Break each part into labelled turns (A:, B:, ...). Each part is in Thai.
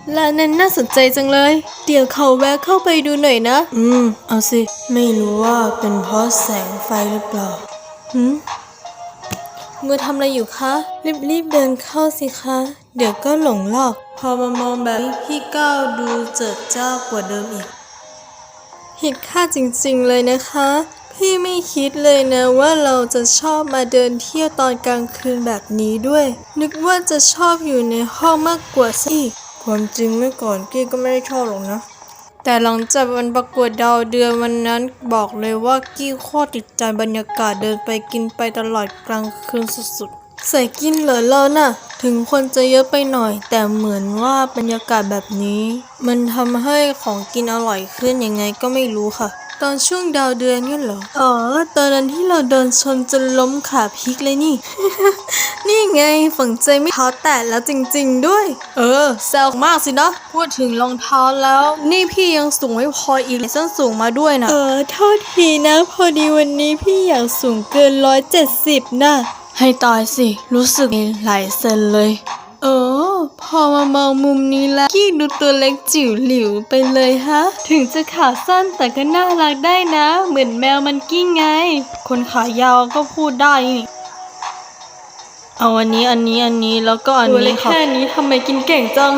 A: ร้านนั้นน่าสนใจจังเลยเดี๋ยวเขาแวะเข้าไปดูหน่อยนะเอาสิไม่รู้ว่าเป็นเพราะแสงไฟหรือเปล่ามือทำอะไรอยู่คะรีบเดินเข้าสิคะเดี๋ยวก็หลงหลอกพอมามองแบบนี้พี่ก้าวดูเจิดจ้ากว่าเดิมอีกผิดคาดจริงๆเลยนะคะพี่ไม่คิดเลยนะว่าเราจะชอบมาเดินเที่ยวตอนกลางคืนแบบนี้ด้วยนึกว่าจะชอบอยู่ในห้องมากกว่าสิความจริงเมื่อก่อนกี้ก็ไม่ได้ชอบหรอกนะแต่หลังจากวันประกวดดาวเดือนวันนั้นบอกเลยว่ากี้โคตรติดใจบรรยากาศเดินไปกินไปตลอดกลางคืนสุดๆใส่กินเหรอเราน่ะถึงคนจะเยอะไปหน่อยแต่เหมือนว่าบรรยากาศแบบนี้มันทำให้ของกินอร่อยขึ้นยังไงก็ไม่รู้ค่ะตอนช่วงดาวเดือนนี่เหรอตอนนั้นที่เราเดินชนจนล้มขาพลิกเลยนี่ นี่ไงฝังใจไม่เท้าแตะแล้วจริงๆด้วยแซวมากสินะพูดถึงรองเท้าแล้วนี่พี่ยังสูงไม่พออีกเลยส้นสูงมาด้วยนะโทษทีนะพอดีวันนี้พี่อยากสูงเกิน170นะให้ตายสิรู้สึกหลายเซนเลยพอมามองมุมนี้แล้วกี้ดูตัวเล็กจิ๋วหลิวไปเลยฮะถึงจะขาสั้นแต่ก็น่ารักได้นะเหมือนแมวมันกี้ไงคนขายาวก็พูดได้นี่เอาอันนี้แล้วก็อันนี้ค่ะแค่นี้ทำไมกินเก่งจัง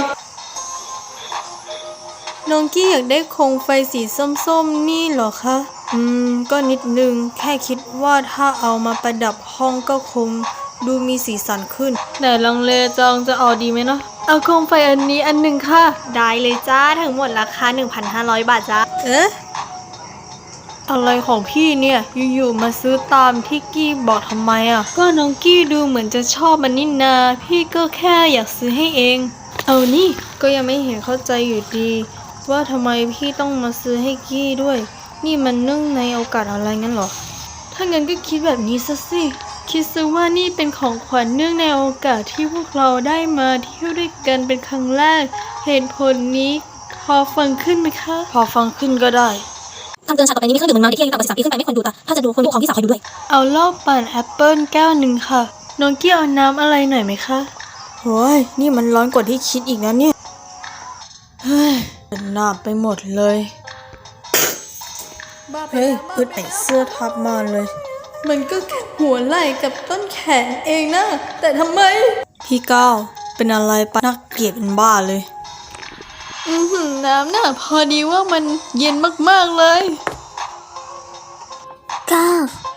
A: น้องกี้อยากได้โคมไฟสีส้มๆนี่เหรอคะก็นิดนึงแค่คิดว่าถ้าเอามาประดับห้องก็คงดูมีสีสันขึ้นแต่ลังเลจังจะเอาดีไหมนะเอาโคมไฟอันนี้อันหนึ่งค่ะได้เลยจ้าทั้งหมดราคา 1,500 บาทจ้าอะไรของพี่เนี่ยอยู่ๆมาซื้อตามที่กี้บอกทำไมอ่ะก็น้องกี้ดูเหมือนจะชอบมันนี่นาพี่ก็แค่อยากซื้อให้เองเอานี่ก็ยังไม่เห็นเข้าใจอยู่ดีว่าทำไมพี่ต้องมาซื้อให้กี้ด้วยนี่มันเนื่องในโอกาสอะไรงั้นเหรอถ้างั้นก็คิดแบบนี้ซะสิคิดซะว่านี่เป็นของขวัญเนื่องในโอกาสที่พวกเราได้มาเที่ยวด้วยกันเป็นครั้งแรกเหตุผลนี้พอฟังขึ้นไหมคะพอฟังขึ้นก็ได้
B: คำเตือนฉากต่อไปนี้มีเครื่องดื่มมึนเมาเด็กที่อายุต่ำกว่า13 ปีขึ้นไปไม่ควรดูถ้าจะดูควรดูของพี่สาวคอยดูด้วย
A: เอาเหล้าปั่นแอปเปิ้ลแก้วหนึ่งค่ะน้องกี้เอาน้ำอะไรหน่อยไหมคะโอ้ยนี่มันร้อนกว่าที่คิดอีกนะเนี่ยเฮ้ยหนาบไปหมดเลยเฮ้ยอึดไอเสื้อทับมาเลยมันก็แค่หัวไหล่กับต้นแขนเองนะแต่ทำไมพี่ก้าวเป็นอะไรปะน่าเกลียดเป็นบ้าเลยน้ำน่ะพอดีว่ามันเย็นมากๆเลย
B: ก้าว